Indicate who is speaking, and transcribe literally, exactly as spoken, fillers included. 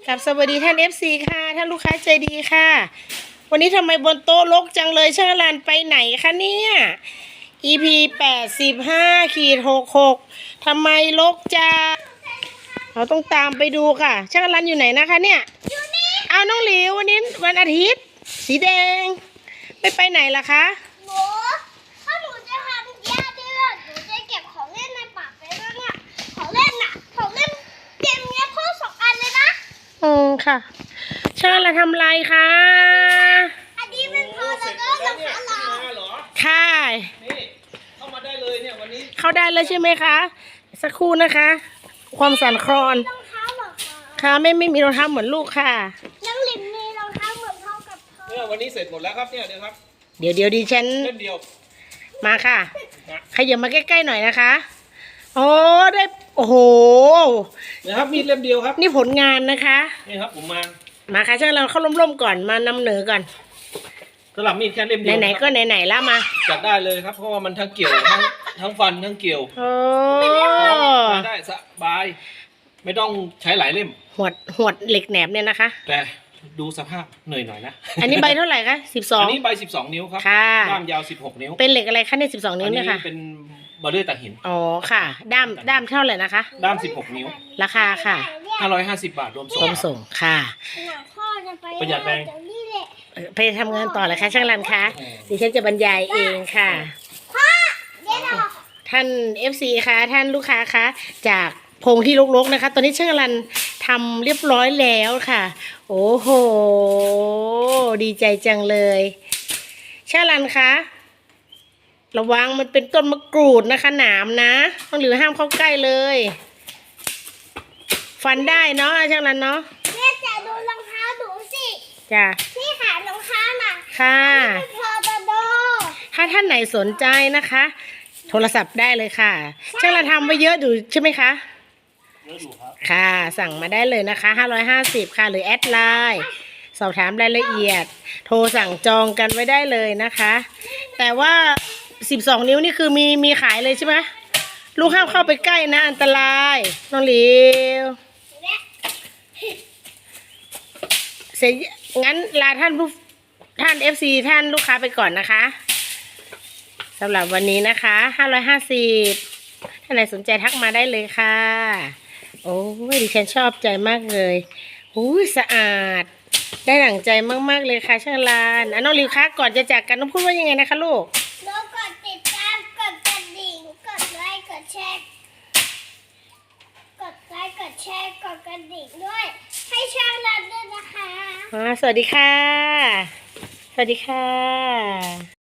Speaker 1: กับสวัสดีท่าน เอฟ ซี ค่ะท่านลูกค้าใจดีค่ะวันนี้ทำไมบนโต๊ะรกจังเลยช่างรันไปไหนคะเนี่ย อี พี แปดสิบห้าขีดหกหกทำไมรกจังเราต้องตามไปดูค่ะช่างรันอยู่ไหนนะคะเนี่ยเอาน้องหลิววันนี้วันอาทิตย์สีแดงไม่ไปไหนล่ะคะ
Speaker 2: หนูถ้าหนูจะทำยาเดือดหนูจะเก็บของเล่นในปากไปแล้วเนี่ยของเล่นน่ะของเล่นเกมเนี้ยพ่อสองอันเลยนะ
Speaker 1: อืมค่ะช่างรันทำไรคะ
Speaker 2: อันนี้เป็นพอแล้วก็รองเท้าเรา
Speaker 1: ค่ะ
Speaker 3: นี่เข้ามาได้เลยเนี่ยวันนี้
Speaker 1: เข้าได้เลยใช่ไหมคะสักครู่นะคะ ความสั่นคลอน
Speaker 2: รองเท้าเหรอคะ
Speaker 1: ค่ะไม่ไม่มีรองเท้าเหมือนลูกค่ะ
Speaker 2: น้องลิมมีรองเท้าเหมือนพ่อกับพ่อ
Speaker 3: เนี่ยวันนี้เสร็จหมดแล้วครับเนี่ยเดี๋ยวครับ
Speaker 1: เดี๋ยวเดี๋ยวดิฉัน
Speaker 3: เล่มเดียว
Speaker 1: มาค่ะขยับมาใกล้ๆหน่อยนะคะโอ้ได้โอ้โห
Speaker 3: นะครับมีดเล่มเดียวครับ
Speaker 1: นี่ผลงานนะคะ
Speaker 3: นี่ครับผมมา
Speaker 1: มาค่ะช่างเราเข้าร่มๆก่อนมานำเหนือก่อน
Speaker 3: สลับมีดแค่เล่มเดียว
Speaker 1: ไหนๆก็ไหนๆแล้วมา
Speaker 3: จัดได้เลยครับเพราะว่ามันทั้งเกี่ยวทั้งทั้งฟันทั้งเกี่ยว
Speaker 1: โอ้
Speaker 3: มาได้สบายไม่ต้องใช้หลายเล่ม
Speaker 1: หวดหวดเหล็กแหนบเนี่ยนะคะ
Speaker 3: แต่ดูสภาพเหนื่อยหน่อยนะ
Speaker 1: อันนี้ใบเท่าไหร่คะสิบสอง
Speaker 3: อันนี้ใบสิบสองนิ้วครับด้ามยาวสิบหกนิ้ว
Speaker 1: เป็นเหล็กอะไรคะเนี่ยสิบสองนิ้วเนี่ยค่ะ
Speaker 3: เป็นบอลเลอร์ตัดหิน
Speaker 1: อ๋อค่ะด้ามด้ามเท่าไหร่นะคะ
Speaker 3: ด้ามสิบหกนิ้ว
Speaker 1: ราคาค่ะ
Speaker 3: ห้าร้อยห้าสิบบาทรวมส่ง
Speaker 1: รวมส่งค่ะ
Speaker 3: ประหยัดแรง
Speaker 1: ไปทำงานต่อเลยค่ะช่างรันคะดิฉันจะบรรยายเองค่ะท่าน เอฟ ซี คะท่านลูกค้าคะจากพงที่รกๆนะคะตอนนี้ช่างรันทำเรียบร้อยแล้วค่ะโอ้โหดีใจจังเลยช่างรันคะระวังมันเป็นต้นมะกรูดนะคะหนามนะต้องหรือห้ามเข้าใกล้เลยฟันได้เนาะช่างรันเนาะ
Speaker 2: แม่จะดูรองเท้าดูสิ
Speaker 1: จ้ะ
Speaker 2: นี่ค่ะรองเท้าน่ะ
Speaker 1: ค่ะ
Speaker 2: พอตโด
Speaker 1: ถ้าท่านไหนสนใจนะคะโทรศัพท์ได้เลยค่ะช่างรันทำไว้เยอะอยู่ใช่ไหมคะ
Speaker 3: เยอะอยู่ครับ
Speaker 1: ค่ะสั่งมาได้เลยนะคะห้าร้อยห้าสิบค่ะหรือแอดไลน์สอบถามรายละเอียดโทรสั่งจองกันไว้ได้เลยนะคะแต่ว่าสิบสองนิ้วนี่คือมีมีขายเลยใช่ไหมลูกห้ามเข้าไปใกล้นะอันตรายน้องหลิวเสร็จงั้นลาท่านผู้ท่าน เอฟ ซี ท่านลูกค้าไปก่อนนะคะสำหรับวันนี้นะคะห้าร้อยห้าสิบท่านไหนสนใจทักมาได้เลยค่ะโอ้ยดิฉันชอบใจมากเลยหูยสะอาดได้หลังใจมากๆเลยค่ะช่างลานอ่ะน้องลิวคะก่อนจะจากกันต้องพูดว่ายังไงนะคะลูก
Speaker 2: แล้วกดติดตามกดกระดิ่งกดไลค์กดแชร์กดไลค์กดแชร์กดกระดิ่งด้วยให้ช่างรันด้วยนะคะ
Speaker 1: อ่าสวัสดีค่ะสวัสดีค่ะ